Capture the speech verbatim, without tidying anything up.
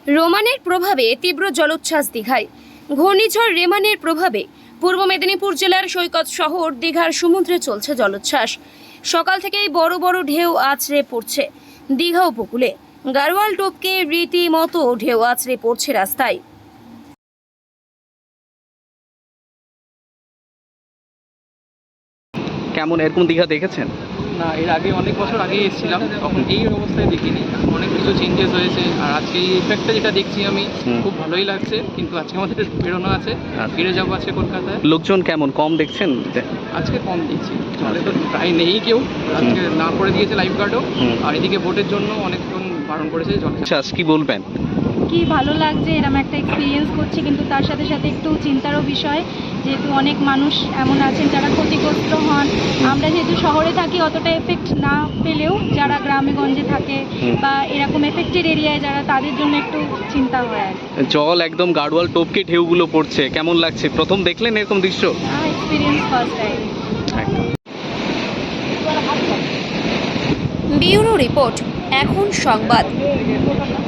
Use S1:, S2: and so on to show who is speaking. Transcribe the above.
S1: রোমানের প্রভাবে তীব্র জলোচ্ছ্বাস দীঘায়। ঘূর্ণিঝড় রেমানের প্রভাবে পূর্ব মেদিনীপুর জেলার সৈকত শহর দীঘার সমুদ্রে চলছে জলোচ্ছ্বাস। সকাল থেকেই বড় বড় ঢেউ আছড়ে পড়ছে দীঘা উপকূলে। গাড়োয়াল টোপকে রীতিমতো ঢেউ আছড়ে পড়ছে রাস্তায়।
S2: কেমন এরকম দীঘা দেখেছেন?
S3: না, এর আগে অনেক বছর আগে এসেছিলাম, তখন এই অবস্থায় দেখিনি। অনেক কিছু চেঞ্জেস হয়েছে, আর আজকে এই ইফেক্টটা যেটা দেখছি আমি, খুব ভালোই লাগছে। কিন্তু আজকে আমাদের বেরোনো আছে, ফিরে যাবো আজকে কলকাতায়।
S2: লোকজন কেমন, কম দেখছেন?
S3: আজকে কম দেখছি, জলে তো প্রায় নেই কেউ। আজকে না করে দিয়েছে লাইফ গার্ডও, আর এদিকে ভোটের জন্য অনেকক্ষণ বারণ করেছে জলে।
S2: আচ্ছা, কি বলবেন?
S4: কি ভালো লাগছে, এরকম একটা এক্সপিরিয়েন্স করছি, কিন্তু তার সাথে সাথে একটু চিন্তারও বিষয়, যেহেতু অনেক মানুষ এমন আছেন যারা ক্ষতিগ্রস্ত হন। আমরা যেহেতু শহরে থাকি, অতটা এফেক্ট না পেলেও যারা গ্রামে গঞ্জে থাকে বা এরকম এফেক্টেড এরিয়ায় যারা, তাদের জন্য একটু চিন্তা হয় আর কি।
S2: জল একদম গাড়োয়াল টোপকে ঢেউগুলো পড়ছে, কেমন লাগছে? প্রথম দেখলেন এরকম দৃশ্য?
S4: Experience first time.
S1: Bureau report, এখন সংবাদ।